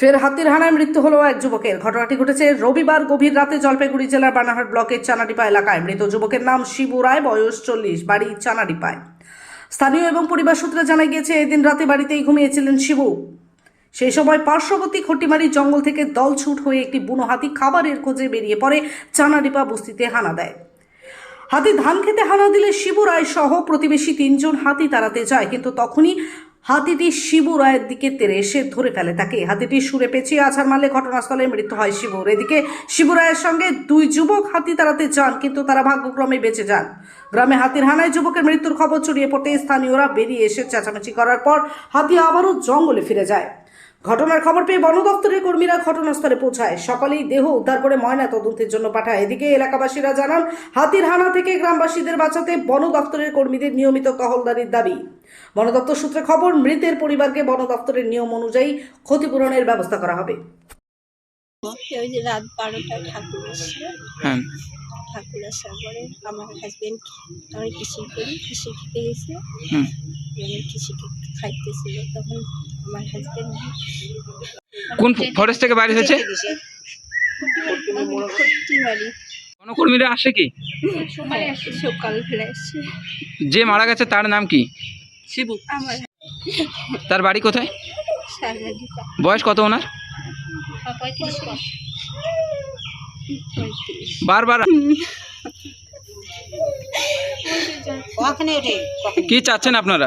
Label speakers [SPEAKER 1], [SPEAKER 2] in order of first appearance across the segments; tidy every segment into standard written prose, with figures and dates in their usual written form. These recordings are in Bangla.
[SPEAKER 1] ফের হাতির হানায় মৃত্যু হলো এক যুবকের। ঘটনাটি ঘটেছে রবিবার গভীর রাতে জলপাইগুড়ি জেলার বানারহাট ব্লকের চানাডিপা এলাকায়। মৃত যুবকের নাম শিবু রায়, বয়স 40, বাড়ি চানাডিপায়। স্থানীয় এবং পরিবার সূত্রে জানা গিয়েছে, এদিন রাতে বাড়িতেই ঘুমিয়েছিলেন শিবু। সেই সময় পার্শ্ববর্তী খটিমারি জঙ্গল থেকে দলছুট হয়ে একটি বুনো হাতি খাবারের খোঁজে বেরিয়ে পড়ে চানাডিপা বস্তিতে হানা দেয়। হাতি ধান খেতে হানা দিলে শিবু রায় সহ প্রতিবেশী 3 জন হাতি তাড়াতে যায়, কিন্তু তখনই হাতিটি শিবু রায়ের দিকে তেড়ে এসে ধরে ফেলে তাকে। হাতিটি সুরে পেঁচিয়ে আছাড় মারলে ঘটনাস্থলে মৃত্যু হয় শিবুর। এদিকে শিবু রায়ের সঙ্গে 2 যুবক হাতি তাড়াতে যান, কিন্তু তারা ভাগ্যক্রমে বেঁচে যান। গ্রামে হাতির হানায় যুবকের মৃত্যুর খবর ছড়িয়ে পড়তে স্থানীয়রা বেরিয়ে এসে চেঁচামেচি করার পর হাতি আবারও জঙ্গলে ফিরে যায়। ঘটনার খবর পেয়ে বন দপ্তরের কর্মীরা ঘটনাস্থলে পৌঁছায়। সকালেই দেহ উদ্ধার করে ময়না তদন্তের জন্য পাঠায়। এদিকে এলাকাবাসীরা জানান, হাতির হানা থেকে গ্রামবাসীদের বাঁচাতে বন দপ্তরের কর্মীদের নিয়মিত টহলদারির দাবি। বন দপ্তর সূত্রে খবর, মৃতের পরিবারকে বন দপ্তরের নিয়ম অনুযায়ী ক্ষতিপূরণের ব্যবস্থা করা হবে।
[SPEAKER 2] ওই যে রাত 12টায় ঠাকুর আসছে। ঠাকুর আসার পরে আমার হাজবেন্ড, আমি কৃষি করি, কৃষি খেতে গেছে। কৃষি খাইতেছিল, তখন আমার হাজবেন্ড
[SPEAKER 3] কোন ফরেস্ট থেকে বাইরে হয়েছে?
[SPEAKER 2] খটিমারি
[SPEAKER 3] বনকর্মীরা আসে কি?
[SPEAKER 2] সকাল ফেলে আসছে।
[SPEAKER 3] যে মারা গেছে তার নাম কি?
[SPEAKER 2] শিবু। আমার
[SPEAKER 3] তার বাড়ি কোথায়?
[SPEAKER 2] চানাডিপা।
[SPEAKER 3] বয়স কত ওনার?
[SPEAKER 2] 35।
[SPEAKER 3] বারবার কি চাচ্ছেন আপনারা?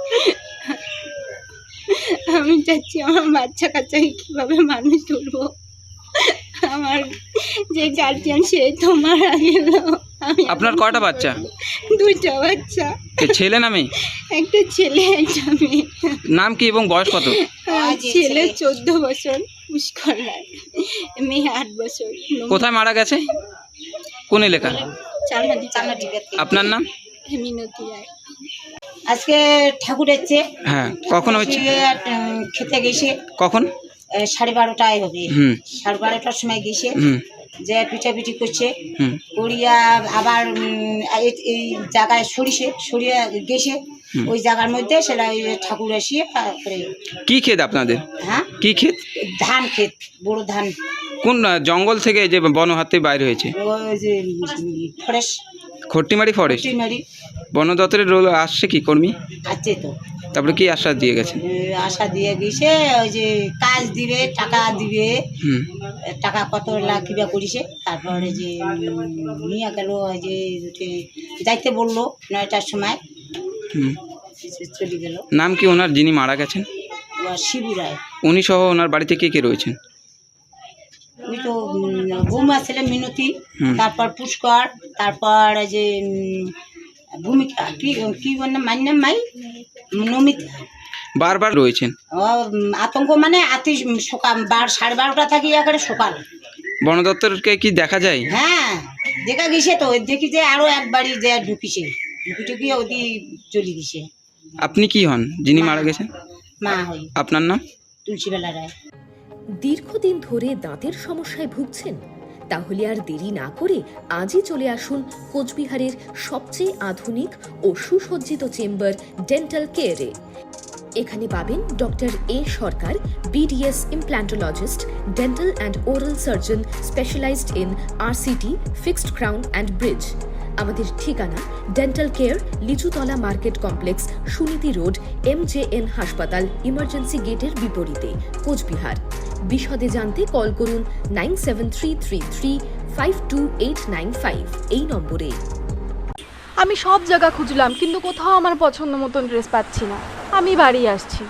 [SPEAKER 2] আমি চাচ্ছি আমার বাচ্চা কাচ্চাকে কিভাবে মানুষ তুলবো। আমার যে গার্জিয়ান সে তো মারা গেল।
[SPEAKER 3] আপনার কয়টা বাচ্চা?
[SPEAKER 2] 2টা বাচ্চা।
[SPEAKER 3] ছেলে না মেয়ে?
[SPEAKER 2] একটা ছেলে, একটা মেয়ে।
[SPEAKER 3] নাম কি এবং বয়স কত?
[SPEAKER 2] ছেলে 14 বছর, পুষ্কর রায়। মেয়ে 8 বছর।
[SPEAKER 3] কোথায় মারা গেছে? কোন এলাকা?
[SPEAKER 2] চানাডিপা।
[SPEAKER 3] আপনার নাম?
[SPEAKER 2] মিনতি রায়।
[SPEAKER 4] আজকে ঠাকুর এসছে।
[SPEAKER 3] হ্যাঁ, কখন হচ্ছে?
[SPEAKER 4] খেতে গেছে।
[SPEAKER 3] কখন?
[SPEAKER 4] 12:30 হবে। 12:30টার সময় গেছে, যে পিঠাপিঠি করছে। করিয়া আবার এই জায়গায় সরিয়ে গেছে। ওই জায়গার মধ্যে সেটা ওই ঠাকুর এসে তারপরে।
[SPEAKER 3] কি ক্ষেত আপনাদের?
[SPEAKER 4] হ্যাঁ,
[SPEAKER 3] কি ক্ষেত?
[SPEAKER 4] ধান ক্ষেত, বড় ধান।
[SPEAKER 3] কোন জঙ্গল থেকে যে বন হাতি বাইরে হয়েছে?
[SPEAKER 4] ওই যে ফরেস্ট,
[SPEAKER 3] খটিমারি ফরেস্ট।
[SPEAKER 4] খটিমারি।
[SPEAKER 3] বন দপ্তরের রোল আসছে কি কর্মী?
[SPEAKER 4] আছে তো।
[SPEAKER 3] তারপরে কি আশ্বাস দিয়ে গেছেন?
[SPEAKER 4] আশা দিয়ে গেছে, ওই যে কাজ দিবে, টাকা দিবে। টাকা কত লাখ কিবা করেছে। তারপরে যে নিয়ে গেল, ওই যে যাইতে বললো 9টার সময়, চলে গেল।
[SPEAKER 3] নাম কি ওনার যিনি মারা গেছেন?
[SPEAKER 4] শিবু রায়।
[SPEAKER 3] উনি সহ ওনার বাড়িতে কে কে রয়েছেন?
[SPEAKER 4] ওই তো বৌমা ছেলে মিনতি, তারপর পুষ্কর, তারপর যে ভূমিকা, কি বললাম, মান্যা মাই, নমিতা।
[SPEAKER 3] বারবার রয়েছেন।
[SPEAKER 4] আতঙ্ক মানে সকাল 12:30টা থাকি একেবারে সকাল।
[SPEAKER 3] বন দপ্তরকে কি দেখা যায়?
[SPEAKER 4] হ্যাঁ, দেখা গেছে তো। দেখি যে আরো একবারই যে ঢুকিছে, ঢুকি ওদি চলে গেছে।
[SPEAKER 3] আপনি কি হন যিনি মারা গেছেন?
[SPEAKER 4] মা হই।
[SPEAKER 3] আপনার নাম?
[SPEAKER 4] তুলসীবেলা রায়।
[SPEAKER 5] দীর্ঘদিন ধরে দাঁতের সমস্যায় ভুগছেন? তাহলে আর দেরি না করে আজই চলে আসুন কোচবিহারের সবচেয়ে আধুনিক ও সুসজ্জিত চেম্বার ডেন্টাল কেয়ারে। এখানে পাবেন doctor A Sarkar, BDS implantologist, dental and oral surgeon specialized in RCT, fixed crown and bridge. আমাদের ঠিকানা dental care, Lichutala market complex, Suniti road, MJN হাসপাতাল, ইমার্জেন্সি গেটের বিপরীতে, কোচবিহার। বিশদে জানতে কল করুন 9733352895 এই নম্বরে।
[SPEAKER 6] আমি সব জায়গা খুঁজলাম, কিন্তু কোথাও আমার পছন্দ মতন ড্রেস পাচ্ছি না। আমি বাড়ি আসছি।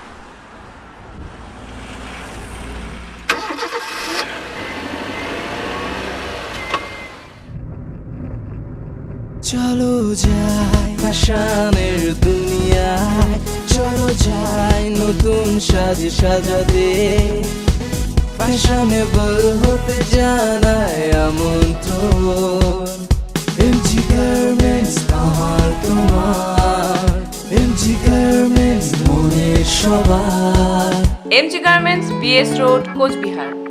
[SPEAKER 7] চলো যাই ফ্যাশনের দুনিয়ায়, চলো যাই নতুন সাজে সাজাতে। ফ্যাশনেবল হতে জানায় আমন্ত্রণ। MG গার্মেন্টস আমার তোমার, MG গার্মেন্টস মনের সবার।
[SPEAKER 8] MG garments, BS road, Cooch Behar.